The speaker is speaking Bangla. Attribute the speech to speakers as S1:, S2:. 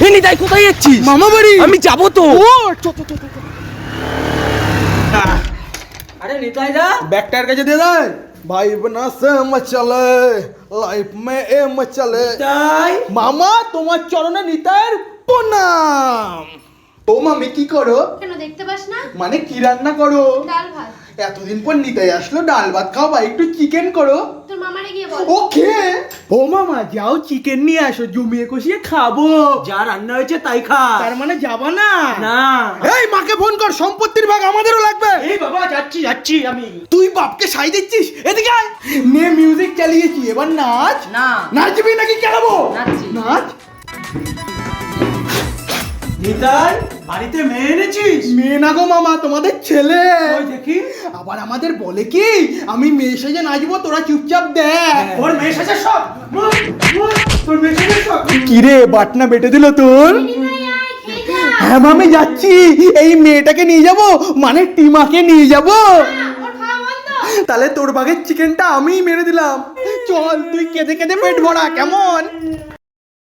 S1: নিতাই কোথায় যাচ্ছিস?
S2: মামা বাড়ি।
S1: আমি যাবো তো।
S2: अरे निताई दा बैक टायर का दे दे भाई बना से मचले लाइफ में ए मचले निताई मामा তোমার চরণে নিতাইয়ের প্রণাম। ও মামি কি করো?
S3: কেন দেখতে পাস না?
S2: মানে কি রান্না করো?
S3: ডাল ভাত।
S2: এতদিন পর নিতাই আসলো, ডাল ভাত খাও বা একটু চিকেন করো।
S3: তোর মামারে গিয়ে বল।
S2: ওকে। ও মামা যাও চিকেন নিয়ে আসো, জমিয়ে কষিয়ে খাবো।
S1: যা রান্না হয়েছে তাই খা।
S2: তার মানে যাবা না?
S1: না।
S2: এই মাকে ফোন কর, সম্পত্তির ভাগ আমাদেরও লাগবে।
S1: এই বাবা যাচ্ছি যাচ্ছি আমি।
S2: তুই বাপকে সাই দিচ্ছিস? এদিকে আয়। নে মিউজিক চালিয়েছি, এবার নাচ।
S1: না।
S2: নাচবি নাকি কেলাবো?
S1: নাচছি।
S2: নাচ।
S1: নিতাই বাড়িতে মেয়ে এনেছিস?
S2: মেয়ে না গো মামা, তোমাদের ছেলে।
S1: ওই দেখি।
S2: আবার আমাদের বলে কি আমি মেয়ে সেজে নাচবো, তোরা চুপচাপ দেখ।
S1: ওর মেয়ে সাজে সব। তোর মেয়ে সাজে সব।
S2: কিরে বাটনা বেটে দিল তোর?
S3: নিতাই আয় খেয়ে যা।
S2: হ্যাঁ মামি যাচ্ছি, এই মেয়েটাকে নিয়ে যাব, মানে টিমাকে নিয়ে যাব।
S3: ওর খাওয়া বন্ধ।
S2: তাহলে তোর ভাগের চিকেনটা আমিই মেরে দিলাম। চল তুই কেঁদে কেঁদে পেট ভরা, কেমন?